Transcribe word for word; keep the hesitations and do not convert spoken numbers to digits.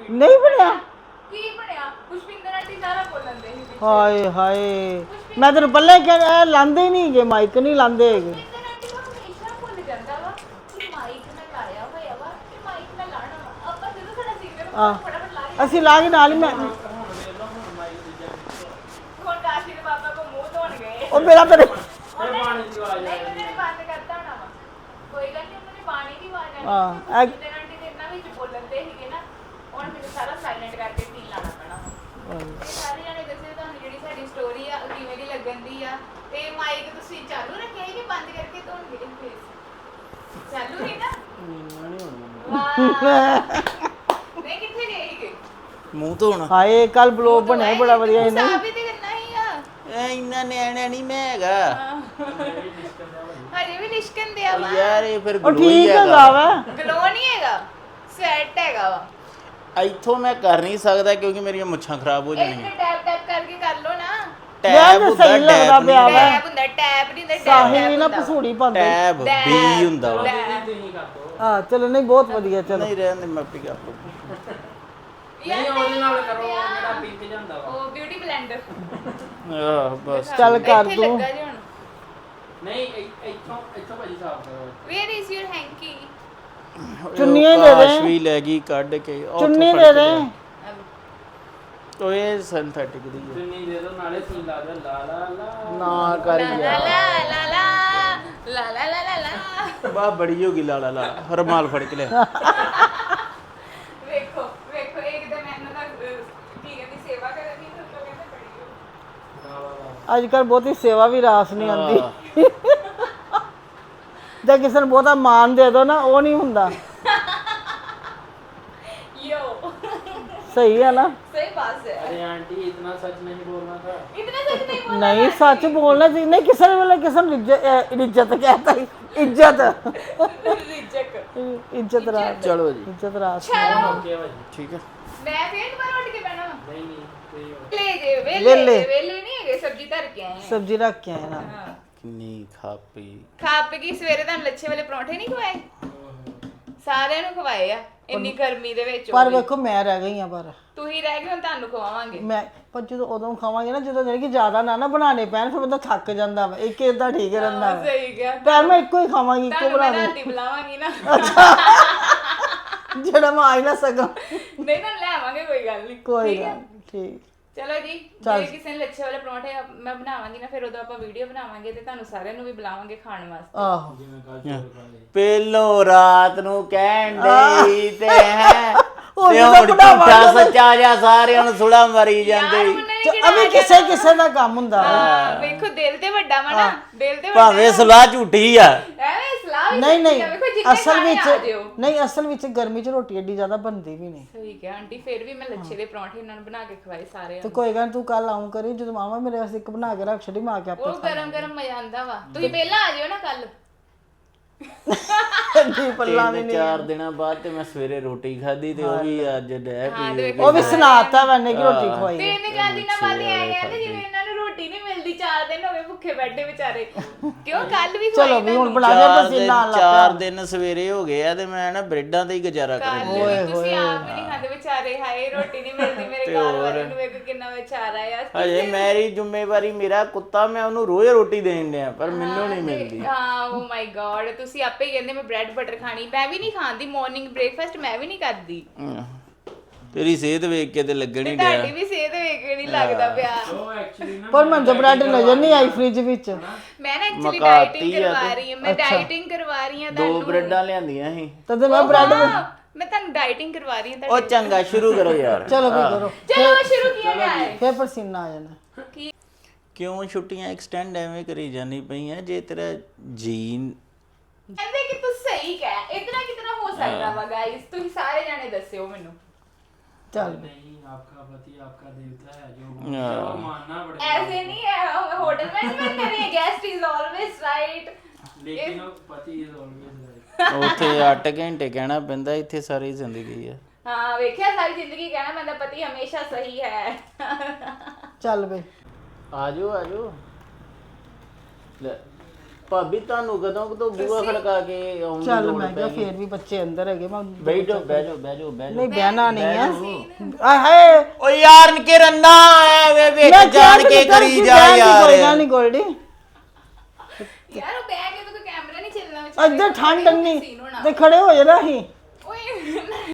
ਨਹੀਂ ਬਣਿਆ ਕੀ ਬਣਿਆ ਪੁਸ਼ਪਿੰਦਰ ਆਂਟੀ ਸਾਰਾ ਬੋਲਣ ਦੇ ਸੀ ਹਾਏ ਹਾਏ ਮੈਂ ਤੈਨੂੰ ਪਹਿਲਾਂ ਹੀ ਕਿਹਾ ਲਾਂਦੇ ਨਹੀਂ ਹੈਗੇ ਮਾਈਕ ਨਹੀਂ ਲਾਂਦੇ ਹੈਗੇ ਪੁਸ਼ਪਿੰਦਰ ਆਂਟੀ ਨੂੰ ਹਮੇਸ਼ਾ ਭੁੱਲ ਜਾਂਦਾ ਵਾ ਕਿ ਮਾਈਕ ਮੈਂ ਲਾਇਆ ਹੋਇਆ ਵਾ ਤੇ ਮਾਈਕ ਮੈਂ ਲਾਣਾ ਵਾ ਆਪਾਂ ਜਦੋਂ ਸਾਡਾ ਸਿੰਗਰ ਆ ਫਟਾਫਟ ਲਾ ਕੇ ਅਸੀਂ ਲਾ ਕੇ ਨਾਲ ਹੀ ਮੈਂ ਹੁਣ ਕਾਸ਼ੀ ਦੇ ਬਾਬਾ ਕੋ ਮੂੰਹ ਧੋਣ ਗਏ ਉਹ ਮੇਰਾ ਤੇਰੇ ਉਹਨੇ ਪਾਣੀ ਦੀ ਆਵਾਜ਼ ਆਈ ਉਹਨੇ ਬੰਦ ਕਰਤਾ ਹੋਣਾ ਵਾ ਕੋਈ ਗੱਲ ਨਹੀਂ ਉਹਨੇ ਪਾਣੀ ਦੀ ਆਵਾਜ਼ ਆਣੀ ਹਾਂ, ਐ- ਪੁਸ਼ਪਿੰਦਰ ਆਂਟੀ ਦੇ ਇਹਨਾਂ ਵਿੱਚ ਬੋਲਣ ਦੇ ਸੀਗੇ ਨਾ ਹੁਣ ਮੈਨੂੰ ਸਾਰਾ ਸਾਇਲੈਂਟ ਕਰਕੇ ਸੀਨ ਲਾਣਾ ਪੈਣਾ ਵਾ ਇਹ ਸਾਰੇ ਜਾਣੇ ਦੱਸਿਓ ਤੁਹਾਨੂੰ ਜਿਹੜੀ ਸਾਡੀ ਸਟੋਰੀ ਆ ਉਹ ਕਿਵੇਂ ਦੀ ਲੱਗਣ ਦੀ ਆ ਤੇ ਮਾਈਕ ਤੁਸੀਂ ਚਾਲੂ ਰੱਖਿਆ ਹੈ ਕਿ ਬੰਦ ਕਰਕੇ ਧੋਣ ਗਏ ਪਲੀਜ਼ ਚਾਲੂ ਹੀ ਨਾ ਵਾਹ ਨਹੀਂ ਕਿੱਥੇ ਗਏ ਸੀਗੇ ਮੂੰਹ ਧੋਣ ਹਾਏ ਕੱਲ ਬਲੌਗ ਬਣਿਆ ਬੜਾ ਵਧੀਆ ਇਹਨੇ ਇਹਨੇ ਸਾਫ ਹੀ ਤੇ ਕਰਨਾ ਹੀ ਆ ਐ ਇੰਨਾ ਨਿਆਣਾ ਨਹੀਂ ਮੈਂ ਹੈਗਾ ਹਜੇ ਵੀ ਲਿਸ਼ਕਣ ਦਿਆ ਵਾ ਯਾਰ ਇਹ ਫਿਰ ਉਹ ਗਲੋ ਹੀ ਠੀਕ ਹੈਗਾ ਹੈਗਾ ਵਾ ਗਲੋ ਨਹੀਂ ਹੈਗਾ ਸਵੈਟ ਹੈਗਾ ਵਾ ਇੱਥੋਂ ਮੈਂ ਕਰ ਨਹੀਂ ਸਕਦਾ ਕਿਉਂਕਿ ਮੇਰੀਆਂ ਮੁੱਛਾਂ ਖਰਾਬ ਹੋ ਇੱਥੇ ਜਾਣੀਆਂ ਟੈਪ ਟੈਪ ਕਰਕੇ ਕਰ ਲੋ ਨਾ ਟੈਬ ਯਾਰ ਹੁੰਦਾ ਸਹੀ ਲੱਗਦਾ ਟੈਬ ਪਿਆ ਨਹੀਂ ਵਾ ਟੈਪ ਹੁੰਦਾ ਟੈਪ ਨਹੀਂ ਹੁੰਦਾ ਟੈਪ ਸਾਹਿਲ ਵੀ ਨਾ ਹੁੰਦਾ ਵਾ। ਪਸੂੜੀ ਪਾਉਂਦੇ ਟੈਬ ਬੀ ਹੁੰਦਾ ਵਾ ਹਾਂ ਚਲੋ ਨਹੀਂ ਬਹੁਤ ਵਧੀਆ ਚਲੋ ਨਹੀਂ ਰਹਿਣ ਦੇ ਮੈਂ ਆਪੇ ਕਰ ਲਊਂ। ਨਹੀਂ ਉਹਦੇ ਨਾਲ ਕਰੋ ਜਿਹੜਾ ਪਿੰਕ ਜਾਂਦਾ ਵਾ ਉਹ ਬਿਊਟੀ ਬਲੈਂਡਰ ਆਹ ਬਸ ਚੱਲ ਕਰ ਇੱਥੇ ਤੂੰ ਲੱਗਾ ਜੀ ਹੁਣ ਨਹੀਂ ਇੱਥੋਂ ਇੱਥੋਂ ਭਾਜੀ ਸਾਫ ਕਰੋ ਵੇਅਰ ਇਜ਼ ਯੂਰ ਹੈਂਕੀ ਚੁੰਨੀਆਂ ਹੀ ਦੇ ਦੇ। ਕਾਸ਼ ਵੀ ਲੈ ਗਈ ਕੱਢ ਕੇ ਉੱਥੋਂ ਚੁੰਨੀ ਫੜ ਦੇ ਕੇ ਦੇ ਲਿਆ। ਉਹ ਇਹ ਸਿੰਥੈਟਿਕ ਦੀ ਹੈ ਚੁੰਨੀ ਦੇ ਦੋ ਨਾਲੇ ਸੀਨ ਲਾ ਦਿਓ ਲਾ ਲਾ ਲਾ ਨਾ ਕਰ ਲਾ ਗਿਆ ਲਾ ਲਾ ਲਾ ਲਾ ਲਾ ਲਾ ਲਾ ਲਾ ਬਾ ਬੜੀ ਹੋ ਗਈ ਲਾਲਾ ਲਾ ਰਮਾਲ ਫੜ ਕੇ ਲਿਆ ਵੇਖੋ ਵੇਖੋ ਇੱਕ ਤਾਂ ਮੈਂ ਇਹਨਾਂ ਦਾ ਅਹ, ਕੀ ਕਹਿੰਦੀ ਸੇਵਾ ਕਰਨੀ ਤੇ ਉੱਤੋਂ ਕਹਿੰਦੇ ਬੜੀ ਹੋ ਅੱਜ ਕੱਲ ਬਹੁਤੀ ਸੇਵਾ ਵੀ ਰਾਸ ਨਹੀਂ ਆਉਂਦੀ ਆਹ, ਜੇ ਕਿਸੇ ਨੂੰ ਬਹੁਤਾ ਮਾਨ ਦੇ ਦੋ ਨਾ ਉਹ ਨਹੀਂ ਹੁੰਦਾ ਯੋ ਸਹੀ ਹੈ ਨਾ ਸਹੀ ਬਾਤ ਹੈ अरे आंटी इतना सच नहीं बोलना था इतना सच नहीं बोलना ਨਹੀਂ ਸੱਚ ਬੋਲਣਾ ਚਾਹੀਦਾ ਨਹੀਂ ਕਿਸੇ ਵੇਲੇ ਕਿਸੇ ਨੂੰ ਇੱਜ਼ਤ ਅਹ, ਇੱਜ਼ਤ ਕਹਤਾ ਇੱਜ਼ਤ ਰਿਜਕ ਇੱਜ਼ਤ ਰਾਸ ਚਲੋ ਜੀ ਇੱਜ਼ਤ ਰਾਸ ਚਲੋ ओके भाजी ਠੀਕ ਹੈ ਮੈਂ ਫੇਰ ਦੁਬਾਰਾ ਉੱਠ ਕੇ ਬਹਿਣਾ ਵਾ नहीं नहीं सही हो ਲੈ ਜੇ ਵੇਲੇ ਵਿਹਲੇ। ਵੇਲੇ ਨਹੀਂ ਹੈਗੇ ਸਬਜ਼ੀ ਧਰ ਕੇ ਆਏ ਆ ਸਬਜ਼ੀ ਰੱਖ ਕੇ ਆਏ ਨਾ ਹਾਂ। ਕਿੰਨੀ ਖਾਪੀ ਖਾ ਪੀ ਕੇ ਸਵੇਰੇ ਤੁਹਾਨੂੰ ਲੱਛੇ ਵਾਲੇ ਪਰੌਂਠੇ ਨਹੀਂ ਖਵਾਏ ਸਾਰਿਆਂ ਨੂੰ ਖਵਾਏ ਆ ਇੰਨੀ ਗਰਮੀ ਦੇ ਵਿੱਚ ਪਰ ਵੇਖੋ ਮੈਂ ਰਹਿ ਗਈ ਆ ਪਰ ਤੂੰ ਹੀ ਰਹਿ ਗਏ ਹੁਣ ਤੁਹਾਨੂੰ ਖਵਾਵਾਂਗੇ ਮੈਂ ਪਰ ਜਦੋਂ ਉਦੋਂ ਖਾਵਾਂਗੇ ਨਾ ਜਦੋਂ ਜਿਹੜੀ ਕਿ ਜ਼ਿਆਦਾ ਨਾ ਨਾ ਬਣਾਣੇ ਪੈਣ ਫਿਰ ਬੰਦਾ ਥੱਕ ਜਾਂਦਾ ਵਾ ਇੱਕ ਇਦਾਂ ਠੀਕ ਰਹਿੰਦਾ ਵਾ ਸਹੀ ਗਿਆ ਪਰ ਮੈਂ ਇੱਕੋ ਹੀ ਖਾਵਾਂਗੀ ਇੱਕੋ ਤੁਹਾਨੂੰ ਮੈਂ ਬਣਾ ਰਾਤੀ ਬੁਲਾਵਾਂਗੀ ਨਾ ਜਿਹੜਾ ਮੈਂ ਆ ਹੀ ਨਾ ਸਕਾਂ ਨਹੀਂ ਤਾਂ ਲੈ ਆਵਾਂਗੇ ਕੋਈ ਗੱਲ ਨਹੀਂ ਕੋਈ ਠੀਕ ਹੈ? ਗੱਲ ਨੀ, ਠੀਕ ਚਲੋ ਜੀ ਜੇ ਕਿਸੇ ਨੇ ਲੱਛੇ ਵਾਲੇ ਪਰੌਂਠੇ ਆਪ- ਮੈਂ ਬਣਾਵਾਂਗੀ ਨਾ ਫਿਰ ਉਦੋਂ ਆਪਾਂ ਵੀਡੀਓ ਬਣਾਵਾਂਗੇ ਤੇ ਤੁਹਾਨੂੰ ਸਾਰਿਆਂ ਨੂੰ ਵੀ ਬੁਲਾਵਾਂਗੇ ਖਾਣ ਵਾਸਤੇ ਆਹੋ ਪਹਿਲੋ ਰਾਤ ਨੂੰ ਕਹਿਣ ਦੇ ਤੇ ਹੈ ਉਹ ਤੇ ਜਦੋਂ ਹੁਣ ਬਣਾਵਾਂਗੇ ਝੂਠਾ ਸੱਚਾ ਜਿਹਾ ਸਾਰਿਆਂ ਨੂੰ ਸੁਲਾ ਮਾਰੀ ਯਾਰ ਜਾਂਦੇ ਉਹਨਾਂ ਨੇ ਕਿਹੜਾ ਅਬੇ ਕਿਸੇ ਕਿਸੇ ਦਾ ਕੰਮ ਹੁੰਦਾ ਵਾ ਹਾਂ, ਵੇਖੋ ਦਿਲ ਤੇ ਵੱਡਾ ਵਾ ਨਾ ਦਿਲ ਤੇ ਵੱਡਾ ਭਾਵੇਂ ਸੁਲਾ ਝੂਠੀ ਆ ਐਵੇਂ ਸਲਾਹ ਵੀ ਨਹੀਂ ਨਹੀਂ ਸੱਚੀ ਆ, ਵੇਖੋ ਜਿੰਨੇ ਅਸਲ ਖਾਣੇ ਆ ਵਿੱਚ ਜਿਓ। ਨਹੀਂ ਅਸਲ ਵਿੱਚ ਗਰਮੀ 'ਚ ਰੋਟੀ ਏਡੀ ਜ਼ਿਆਦਾ ਬਣਦੀ ਵੀ ਨਹੀਂ ਸਹੀ ਕਿਹਾ ਆਂਟੀ ਫਿਰ ਵੀ ਮੈਂ ਲੱਛੇ ਦੇ ਪਰੌਂਠੇ ਇਹਨਾਂ ਨੂੰ ਬਣਾ ਕੇ ਖਵਾਏ ਸਾਰਿਆਂ ਤੇ ਨੂੰ ਕੋਈ ਗੱਲ ਨੀ, ਤੂੰ ਕੱਲ ਆਉਂ ਕਰੀ ਜਦੋਂ ਮਾਮਾ ਮੇਰੇ ਵਾਸਤੇ ਇੱਕ ਬਣਾ ਕੇ ਰੱਖ ਛੱਡੀ ਮਾਂ ਕੇ ਆਪੇ ਉਹ ਗਰਮ ਗਰਮ ਮਜ਼ਾ ਆਂਦਾ ਵਾ ਤੁਸੀਂ ਪਹਿਲਾਂ ਆ ਜਿਓ ਨਾ ਕੱਲ ਜੀ ਪੱਲਾ ਵੀ ਤਿੰਨ ਚਾਰ ਦਿਨਾਂ ਬਾਅਦ ਤੇ ਮੈਂ ਸਵੇਰੇ ਰੋਟੀ ਖਾਧੀ ਤੇ ਉਹ ਵੀ ਅੱਜ ਡੈ ਪੀ ਉਹ ਵੀ ਸੁਣਾਤਾ ਮੈਨੇ ਕਿ ਰੋਟੀ ਖਵਾਈ ਤੇ ਇਹਨੇ ਚਾਰ ਦਿਨਾਂ ਬਾਅਦ ਇਹ ਆਏ ਕਹਿੰਦੇ ਜਿਵੇਂ ਇਹਨਾਂ ਨੂੰ ਰੋਟੀ ਨਹੀਂ ਮਿਲਦੀ ਚਾਰ ਦਿਨ ਹੋ ਗਏ ਭੁੱਖੇ ਬੈਠੇ ਵਿਚਾਰੇ ਕਿਉਂ ਕੱਲ ਵੀ ਖਵਾਈ ਚਲੋ ਵੀ ਹੁਣ ਬਣਾ ਚਾਰ ਕੇ ਦਿਨ ਪਸੀਨਾ ਆਉਣ ਲੱਗ ਚਾਰ ਦਿਨ ਸਵੇਰੇ ਹੋ ਗਏ ਆ ਤੇ ਮੈਂ ਨਾ ਬ੍ਰੈਡਾਂ ਤੇ ਹੀ ਗੁਜ਼ਾਰਾ ਕੱਲ ਕਰਾਂ ਵੀ ਤੁਸੀਂ ਆਪ ਵੀ ਨਹੀਂ ਖਾਂਦੇ ਵਿਚਾਰੇ ਹਾਏ ਰੋਟੀ ਨਹੀਂ ਮਿਲਦੀ ਮੇਰੇ ਘਰ ਵਾਲੇ ਨੂੰ ਵੇਖ ਕਿੰਨਾ ਵਿਚਾਰਾ ਆ ਹਜੇ ਮੇਰੀ ਜ਼ਿੰਮੇਵਾਰੀ ਮੇਰਾ ਕੁੱਤਾ ਮੈਂ ਉਹਨੂੰ ਰੋਜ਼ ਰੋਟੀ ਦੇਣ ਡਿਆ ਪਰ ਮੈਨੂੰ ਨਹੀਂ ਮਿਲਦੀ ਹਾਂ ਓ ਮਾਈ ਗॉड ਤੁਸੀਂ ਆਪੇ ਹੀ ਕਹਿੰਦੇ ਮੈਂ ਬ੍ਰੈਡ ਬਟਰ ਖਾਣੀ ਮੈਂ ਵੀ ਨਹੀਂ ਖਾਂਦੀ ਮਾਰਨਿੰਗ ਬ੍ਰੇਕਫਾਸਟ ਮੈਂ ਵੀ ਨਹੀਂ ਕਰਦੀ ਹਮ। ਤੇਰੀ ਸਿਹਤ ਵੇਖ ਕੇ ਤੇ ਲੱਗਣ ਹੀ ਡਿਆ ਤੁਹਾਡੀ ਵੀ ਸਿਹਤ ਵੇਖ ਕੇ ਨਹੀਂ ਲੱਗਦਾ ਪਿਆ वो एक्चुअली ना ਪਰ ਮੈਨੂੰ ਤਾਂ ਬ੍ਰੈਡ ਨਜ਼ਰ ਨਹੀਂ ਆਈ ਫ੍ਰਿਜ ਵਿੱਚ ਮੈਂ ਨਾ ਐਕਚੁਅਲੀ ਮਕਾਤੀ ਡਾਈਟਿੰਗ ਆ ਕਰਵਾ ਰਹੀ ਹਾਂ ਮੈਂ ਡਾਈਟਿੰਗ ਕਰਵਾ ਰਹੀ ਹਾਂ ਦੋ ਬ੍ਰੈਡਾਂ ਲਿਆਂਦੀਆਂ ਸੀ ਤਦੇ ਮੈਂ ਬ੍ਰੈਡ ਹਾਂ, ਮੈਂ ਤੁਹਾਨੂੰ ਡਾਈਟਿੰਗ ਕਰਵਾ ਰਹੀ ਹਾਂ ਉਹ ਚੰਗਾ ਸ਼ੁਰੂ ਕਰੋ ਯਾਰ ਚਲੋ ਵੀ ਕਰੋ ਚਲੋ ਸ਼ੁਰੂ ਕੀਤਾ ਜਾਏ ਫੇਰ ਪਸੀਨਾ ਆ ਜਾਣਾ ਕੀ ਕਿਉਂ ਛੁੱਟੀਆਂ ਐਕਸਟੈਂਡ ਐਵੇਂ ਕਰੀ ਜਾਣੀ ਪਈਆਂ ਜੇ ਤੇਰਾ ਜੀਨ ਕਹਿੰਦੇ ਕਿ ਤੂੰ ਸਹੀ ਕਹਿ ਇਤਨਾ ਕਿਤਨਾ ਹੋ ਸਕਦਾ ਵਾ ਗਾਇਸ ਤੁਸੀਂ ਸਾਰੇ ਜਾਣੇ ਦੱਸਿਓ ਮੈਨੂੰ ਚੱਲ नहीं आपका पति आपका देवता है जो जो मानना पड़ेगा ऐसे नहीं है होटल मैनेजमेंट कर रही है गेस्ट इज ऑलवेज राइट लेकिन वो पति इज ऑलवेज राइट ਉੱਥੇ ਅੱਠ ਘੰਟੇ ਕਹਿਣਾ ਪੈਂਦਾ ਇੱਥੇ ਸਾਰੀ ਜ਼ਿੰਦਗੀ ਆ ਹਾਂ ਵੇਖਿਆ ਸਾਰੀ ਜ਼ਿੰਦਗੀ ਕਹਿਣਾ ਪੈਂਦਾ ਪਤੀ ਹਮੇਸ਼ਾ ਸਹੀ ਹੈ ਚੱਲ ਬਈ ਆਜੋ ਆਜੋ ਲੈ ਭਾਬੀ ਤੁਹਾਨੂੰ ਕਦੋਂ ਤੋਂ ਬੂਹਾ ਖੜਕਾ ਕੇ ਆਉਣ ਦੀ ਚੱਲ ਲੋੜ ਮੈਂ ਪੈ ਕਿਹਾ ਗਈ? ਫੇਰ ਵੀ ਬੱਚੇ ਅੰਦਰ ਹੈਗੇ ਮੈਂ ਬੈਠੋ ਬੈਠੋ ਬੈਠੋ ਬੈਠੋ ਨਹੀਂ ਬਹਿਣਾ ਨਹੀਂ ਹੈ ਆਏ ਹਾਏ ਓ ਯਾਰ ਨਿਕੇ ਰੰਨਾ ਐ ਵਿੱਚ ਮੈਂ ਜਾਣ ਕੇ ਕਰੀ ਜਾ ਯਾਰ ਕੋਈ ਗੱਲ ਨਹੀਂ ਗੋਲਡੀ ਯਾਰ ਉਹ ਬੈਗ ਹੈ ਤਾਂ ਕੋਈ ਕੈਮਰਾ ਨਹੀਂ ਚੱਲਣਾ ਵਿਚਾਰੇ ਇੱਧਰ ਠੰਡ scene ਨਹੀਂ ਹੋਣਾ। ਤੇ ਖੜੇ ਹੋ ਜਾਣਾ ਅਸੀਂ